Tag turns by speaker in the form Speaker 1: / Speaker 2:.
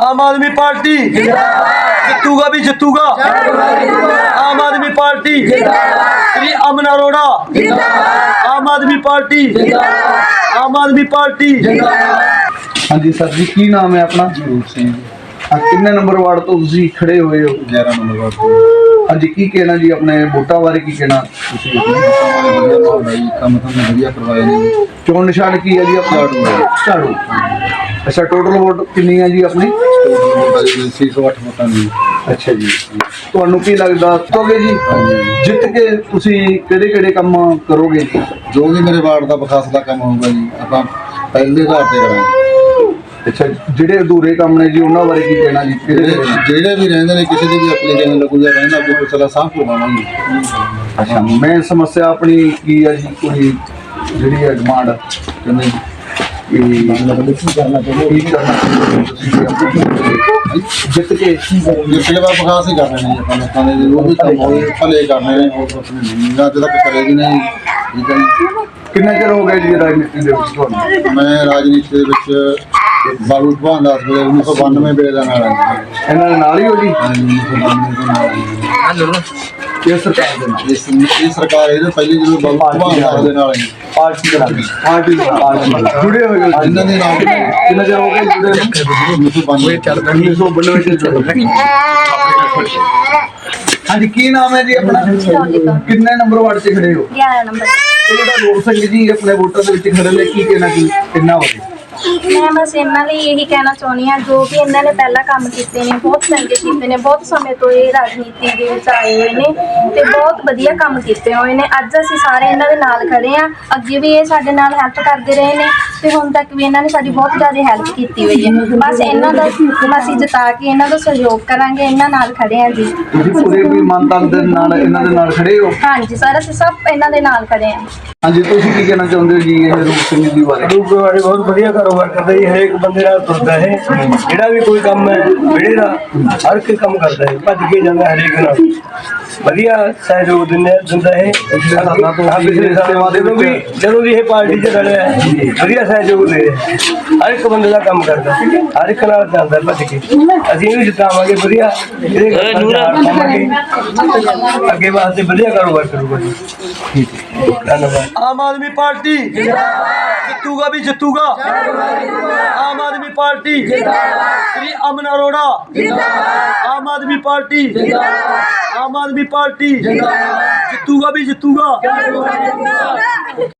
Speaker 1: आम आदमी पार्टी जितूगा भी जितूगा। आम आदमी पार्टी श्री अमन अरोड़ा। आम आदमी पार्टी। आम आदमी पार्टी।
Speaker 2: हाँ जी सर जी, की नाम है अपना?
Speaker 3: रूप सिंह
Speaker 2: किन्ने नंबर वार्ड तो तुसी खड़े हुए हो?
Speaker 3: 11 नंबर वार्ड ਤੋਂ।
Speaker 2: हाँ जी, की कहना जी अपने वोटा बारे की कहना?
Speaker 3: ਤੁਸੀਂ ਆਪਣੇ ਸਾਰੇ ਵਧੀਆ ਮਾਹੌਲ ਹੈ ਜੀ, ਕੰਮ ਤੁਹਾਨੂੰ ਵਧੀਆ ਕਰਵਾਏ ਨੇ।
Speaker 2: चोन निशान की है जी अपना? झाड़ू। अच्छा, टोटल वोट कितनी है जी अपनी?
Speaker 3: 608 ਵੋਟਾਂ ਨੇ।
Speaker 2: अच्छा जी, ਤੁਹਾਨੂੰ ਕੀ ਲੱਗਦਾ ਤੋਗੇ ਜੀ ਜਿੱਤ ਕੇ ਤੁਸੀਂ ਕਿਹੜੇ ਕਿਹੜੇ ਕੰਮ ਕਰੋਗੇ ਜੀ?
Speaker 3: ਜੋ ਵੀ ਮੇਰੇ ਵਾਰਡ ਦਾ ਵਿਕਾਸ ਦਾ ਕੰਮ ਹੋਊਗਾ ਜੀ, ਆਪਾਂ ਪਹਿਲੇ ਆਧਾਰ ਤੇ ਕਰਾਂਗੇ।
Speaker 2: ਅੱਛਾ, ਜਿਹੜੇ ਅਧੂਰੇ ਕੰਮ ਨੇ ਜੀ ਉਹਨਾਂ ਬਾਰੇ ਕੀ ਕਹਿਣਾ ਜੀ?
Speaker 3: ਜਿਹੜੇ ਵੀ ਰਹਿੰਦੇ ਨੇ, ਕਿਸੇ ਦੀ ਵੀ ਐਪਲੀਕੇਸ਼ਨ ਲੱਗੂਗਾ ਰਹਿੰਦਾ ਅੱਗੇ ਪੁੱਛਲਾ ਸਾਹ ਪਵਾਵਾਂਗੇ।
Speaker 2: ਅੱਛਾ, ਮੈਂ ਸਮੱਸਿਆ ਆਪਣੀ ਕੀ ਹੈ ਜੀ? ਕੋਈ ਜਿਹੜੀ ਹੈ ਡਿਮਾਂਡ ਕਹਿੰਦੇ ਕੀ ਕਰਨਾ ਚਾਹੁੰਦੇ ਜਿੱਤ ਕੇ?
Speaker 3: ਪਿਛਲੇ ਵਾਰ ਵਿਕਾਸ ਹੀ ਕਰਨੇ ਨੇ ਜੀ ਆਪਾਂ ਲੋਕਾਂ ਦੇ, ਜੋ ਵੀ ਕੰਮ ਹੋਏ ਭਲੇ ਕਰਨੇ ਨੇ, ਹੋਰ ਕੁਛ ਨਹੀਂ। ਅੱਜ ਤੱਕ ਕਰੇ ਵੀ ਨਹੀਂ। ਠੀਕ ਹੈ ਜੀ।
Speaker 2: ਕਿੰਨਾ ਚਿਰ ਹੋ ਗਿਆ ਜੀ ਰਾਜਨੀਤੀ ਦੇ ਵਿੱਚ ਤੁਹਾਨੂੰ?
Speaker 3: ਮੈਂ ਰਾਜਨੀਤੀ ਦੇ ਵਿੱਚ ਬਾਬੂ ਭਗਵਾਨ ਦਾਸ ਵੇਲੇ 1992 ਵੇਲੇ ਦਾ ਨਾਲ ਹਾਂ।
Speaker 2: ਇਹਨਾਂ ਦੇ ਨਾਲ ਹੀ ਹੋ ਜੀ?
Speaker 3: 1992 ਦੇ ਨਾਲ
Speaker 2: ਇਹ ਸਰਕਾਰ ਦੇ ਨਾਲ?
Speaker 3: ਇਹ ਸਰਕਾਰ ਇਹਦੇ ਪਹਿਲੇ ਜਦੋਂ ਬਾਬੂ ਭਗਵਾਨ ਦਾਸ ਦੇ ਨਾਲ ਹੈ।
Speaker 2: ਪਾਰਟੀ ਦੇ ਨਾਲ ਜੁੜੇ ਹੋਏ ਹੋ?
Speaker 3: ਇਹਨਾਂ ਦੇ ਨਾਲ
Speaker 2: ਕਿੰਨਾ ਚਿਰ ਹੋ ਗਿਆ ਜੁੜੇ? 1992 ਚ ਜੁੜੇ। हाँ जी, की नाम है जी अपना? कितने नंबर वार्ड से खड़े हो?
Speaker 4: 11 नंबर।
Speaker 2: ਜਿਹੜਾ ਰੋਡ ਸਿੰਘ ਜੀ ਆਪਣੇ ਵੋਟਰ ਦੇ ਵਿੱਚ ਖੜੇ ਨੇ, ਕੀ ਕਹਿਣਾ ਕੀ ਕਿੰਨਾ ਹੋਵੇ?
Speaker 4: ਮੈਂ ਬਸ ਇਹਨਾਂ ਲਈ ਇਹੀ ਕਹਿਣਾ ਚਾਹੁੰਦੀ ਹਾਂ, ਜੋ ਵੀ ਇਹਨਾਂ ਨੇ ਪਹਿਲਾਂ ਕੰਮ ਕੀਤੇ ਨੇ ਬਹੁਤ ਚੰਗੇ ਕੀਤੇ ਨੇ। ਬਹੁਤ ਸਮੇਂ ਤੋਂ ਇਹ ਰਾਜਨੀਤੀ ਦੇ ਵਿੱਚ ਆਏ ਹੋਏ ਨੇ ਤੇ ਬਹੁਤ ਵਧੀਆ ਕੰਮ ਕੀਤੇ ਹੋਏ ਨੇ। ਅੱਜ ਅਸੀਂ ਸਾਰੇ ਇਹਨਾਂ ਦੇ ਨਾਲ ਖੜੇ ਹਾਂ। ਅੱਗੇ ਵੀ ਇਹ ਸਾਡੇ ਨਾਲ ਹੈਲਪ ਕਰਦੇ ਰਹੇ ਨੇ ਤੇ ਹੁਣ ਤੱਕ ਵੀ ਇਹਨਾਂ ਨੇ ਸਾਡੀ ਬਹੁਤ ਜ਼ਿਆਦਾ ਹੈਲਪ ਕੀਤੀ ਹੋਈ ਹੈ। ਬਸ ਇਹਨਾਂ ਦਾ ਅਸੀਂ ਜਿਤਾ ਕੇ ਇਹਨਾਂ ਦਾ ਸਹਿਯੋਗ ਕਰਾਂਗੇ। ਇਹਨਾਂ ਨਾਲ ਖੜੇ ਹਾਂ ਜੀ।
Speaker 2: ਤੁਸੀਂ ਪੂਰੇ ਵੀ ਇਮਾਨਦਾਰੀ ਦੇ ਨਾਲ ਇਹਨਾਂ ਦੇ ਨਾਲ ਖੜੇ ਹੋ?
Speaker 4: ਹਾਂਜੀ ਸਰ, ਅਸੀਂ ਸਭ ਇਹਨਾਂ ਦੇ ਨਾਲ ਖੜੇ ਹਾਂ।
Speaker 2: ਹਾਂਜੀ, ਤੁਸੀਂ ਕੀ ਕਹਿਣਾ ਚਾਹੁੰਦੇ ਹੋ ਜੀ ਇਹ ਰੂਪ ਸਿੰਘ ਜੀ ਬਾਰੇ?
Speaker 5: ਰੂਪ ਵਾਲੇ ਬਹੁਤ ਵਧੀਆ ਕਾਰੋਬਾਰ ਕਰਦਾ ਜੀ। ਹਰੇਕ ਬੰਦੇ ਨਾਲ ਤੁਰਦਾ ਹੈ। ਜਿਹੜਾ ਵੀ ਕੋਈ ਕੰਮ ਹੈ ਵਿਹੜੇ ਦਾ ਹਰ ਕੋਈ ਕੰਮ ਕਰਦਾ ਹੈ, ਭੱਜ ਕੇ ਜਾਂਦਾ ਹਰੇਕ ਨਾਲ। ਵਧੀਆ ਸਹਿਯੋਗ ਦਿੰਦਾ ਹੈ। ਜਦੋਂ ਵੀ ਇਹ ਪਾਰਟੀ 'ਚ ਰਲਿਆ ਹੈ, ਵਧੀਆ ਸਹਿਯੋਗ ਦੇ ਰਿਹਾ। ਹਰ ਇੱਕ ਬੰਦੇ ਦਾ ਕੰਮ ਕਰਦਾ, ਹਰ ਇੱਕ ਨਾਲ ਜਾਂਦਾ ਭੱਜ ਕੇ। ਅਸੀਂ ਇਹਨੂੰ ਜਿਤਾਵਾਂਗੇ, ਵਧੀਆ ਇਹਦੇ ਖਾਵਾਂਗੇ, ਅੱਗੇ ਵਾਸਤੇ ਵਧੀਆ ਕਾਰੋਬਾਰ ਕਰੂਗਾ ਜੀ। ਧੰਨਵਾਦ।
Speaker 1: आम आदमी पार्टी जितूगा भी जितूगा। आम आदमी पार्टी श्री अमन अरोड़ा। आम आदमी पार्टी। आम आदमी पार्टी जितूगा भी जितूगा।